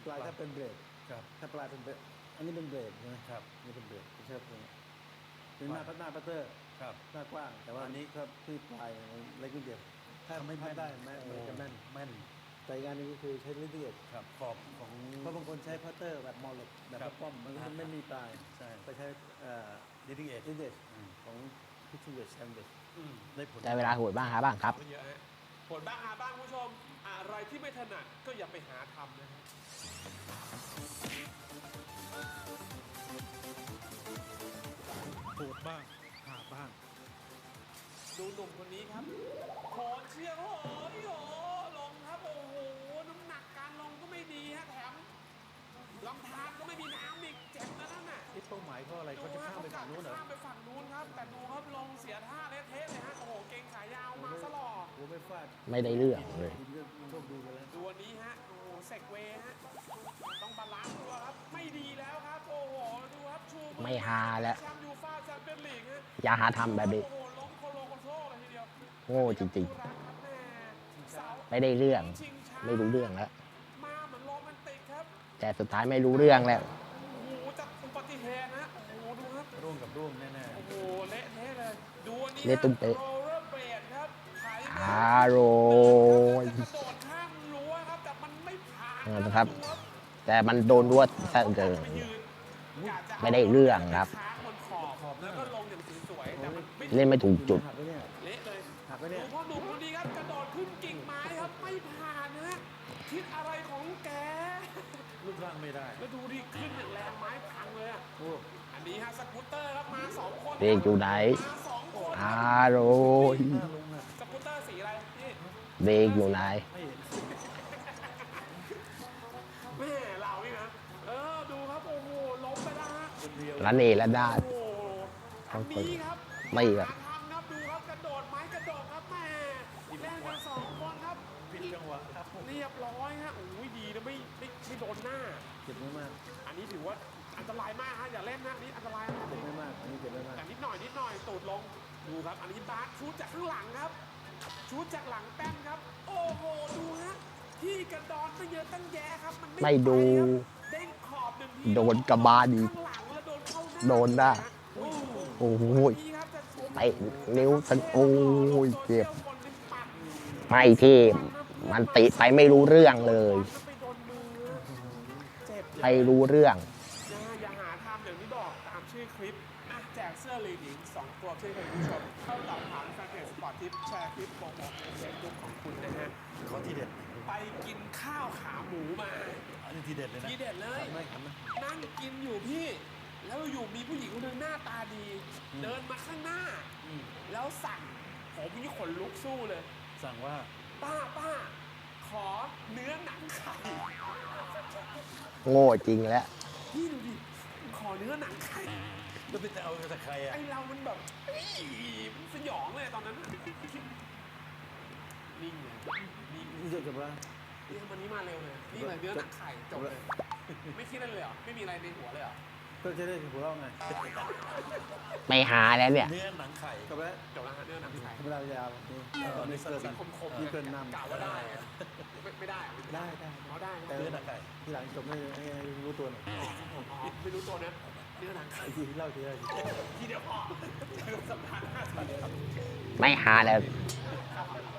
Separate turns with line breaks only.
ปลายถ้าเป็นเบรดถ้าปลายเป็นเบรดอันนี้เป็นเบรดใช่ไหม
ครับ
นี่เป็นเบรดไม่ใช่ตรงนี้เป็นหน้าพัตเตอร์หน้ากว้างแต่ว่าอันนี้ครับที่ปลายเล็กนิดเดียวถ้าไม่ได้แม่มันจะแม่นแต่งานนี้ก็คือใช้ลิเดียด
ขอบของ
เพราะบางคนใช้พัตเตอร์แบบมอลเล็กแบบป้อมมันไม่มีปลายไปใช้
ลิเดียด
ของพิชเวชแซมเบช
ได้ผล
ได้เวลาโหดบ้างหาบ้างครับ
ผลบ้างหาบ้างคุณผู้ชมอะไรที่ไม่ถนัดก็อย่าไปหาทำนะครับ
โหดบ้างหาบ้าง
ดูหนุ่มคนนี้ครับโหนเชียร์โอ้โหลงครับโอ้โหน้ำหนักการลงก็ไม่ดีฮะแถมลำธารก็ไม่มีน้ำอีกเจ็บนะนั่นน่ะ
เป้าหมายก็อะไรเขาจะข้ามไปฝั่งนู้นเหรอ
ข้ามไปฝั่งนู้นครับแต่ดูครับลงเสียท่าเละเทะเลยฮะโอ้โหเก่งขายาวมาซะหล่อ
หัวไม่ฟาด
ไม่ได้เรื่องเลย
โชคดีไปแล้ว
ดูวันนี้ฮะโอ้โหเซกเวฮะต้องบาลานซ์ตัวครับไม่ดีแล้วครับโอ้โหดูครับชู
ไม่หาแล้ว
แชมป์ยูฟ่าแชมเปี้ยนลีกฮะ
อย่าหาทำแบบนี้โง่จริงๆไม่ได้เรื่องไม่รู้เรื่องแล้วแต่สุดท้ายไม่รู้เรื่องแล้ว
โอ้โหจากอุบัติเหตุนะโอ้โหดูครับ
ร่วงกับร่วงแน่
ๆโอ้โหเละเทะเลยดูอันนี้
เละตุ้มเป๊ะโรย
กระโดดข้ามรั้วครับแต่มันไม่ผ่าน
นะครับแต่มันโดนรั้วซะเกินไม่ได้เรื่องครับเล่นไม่ถูกจุด
เละเลยดูพ่อหนุ่มคนนี้ครับกระโดดขึ้นกิ่งไม้ครับไม่ผ่านนะคิดอะไรของแก
รูปร่างไม่ได้
แล้วดูดิขึ้นอย่างแรงไม้พังเลยอ่ะอันนี้ฮะสกูตเตอร์ครับมา2คน
เด็กอยู่ไหนโรย
สกูตเตอร์สีอะไรนี่
เด็กอยู่ไหน
แม่เรานี่นะดูครับโอ้โหล้มไปแล้วฮะ
ละเนระนาด
อันนี้ครับ
ไม่ครับ
ทำครับดูครับกระโดดไม้กระโดดครับแม่เล่นกัน2คนครับ
ผิดจังหวะครับ
เรียบร้อยฮะโอ้ยดีนะไม่โดนหน้า
เจ็บไม่มาก
อันนี้ถือว่าอันตรายมากฮะอย่าเล่นนะนี่อันตรายนะ
เจ็บไม่มากอันนี้เจ็บไม่มาก
แต่นิดหน่อยตูดลงดูครับอันนี้บาสชูจากข้างหลังครับชูจากหลังแป้นครับโอ้โหดูฮะที่กระดอนไม่เยอะตั้งแยะครับมัน
ไม่ดู
เด้งขอบ1ที
โดนกระบาลอีกโดนได้โอ้โหไปนิ้วสันโอ้ยเจ็บไม่ที่มันติไปไม่รู้เรื่องเลยไม่รู้เรื่อง
อย่าหาทำอย่างที่บอกตามชื่อคลิปแจกเสื้อลีดหญิง2ตัวช่วยคุณผู้ชมเข้าตอบถามแฟนเพจสปอร์ตทิปแชร์คลิปโปรโมทในเฟซบุ๊กของคุณนะฮะ
ข้อที่เด็ด
ไปกินข้าวขาหมูมา
อันนี้ทีเด็ดเลยนะ
ทีเด็ดเลยนั่งกินอยู่พี่แล้วอยู่มีผู้หญิงคนหนึ่งหน้าตาดีเดินมาข้างหน้าแล้วสั่งผมนี่ขนลุกสู้เลย
สั่งว่า
ป้าขอเนื้อหนังไข่
โง่จริงแล้ว
พี่ดูดิขอเนื้อหนังไข่
แล้วไปเอาจากใครอ่ะ
ไอเรามันแบบมันสยองเลยตอนนั้นนิ่งเลย
นี่จะจบแล้ว
นี่วันนี้มาเร็วเลยนี่เลยเนื้อหนังไข่จบเลยไม่คิดอะไรเลยเหรอไม่มีอะไรในหัวเลยเหรอ
ก็จะได้หัวเราไง
ไม่หาแล้วเนี่ย
เนื้อหนังไข่
จบแล้ว
เนื้อหนังไข่
เวลายาว
ตอนนี้เกินคม
นี่เกินนำ
กล่าวว่าได้ไม่ได้
เขาได้
เ
นื้อหนังไข่ทีหลังจบไม่รู้ตัวหน่อย
ไม่รู้ตัวนะเนื้อหนังไข่
ทีเล่าที
เดียวพอสัปดาห์หน้าสวัสดีครับ
ไม่หาแล้ว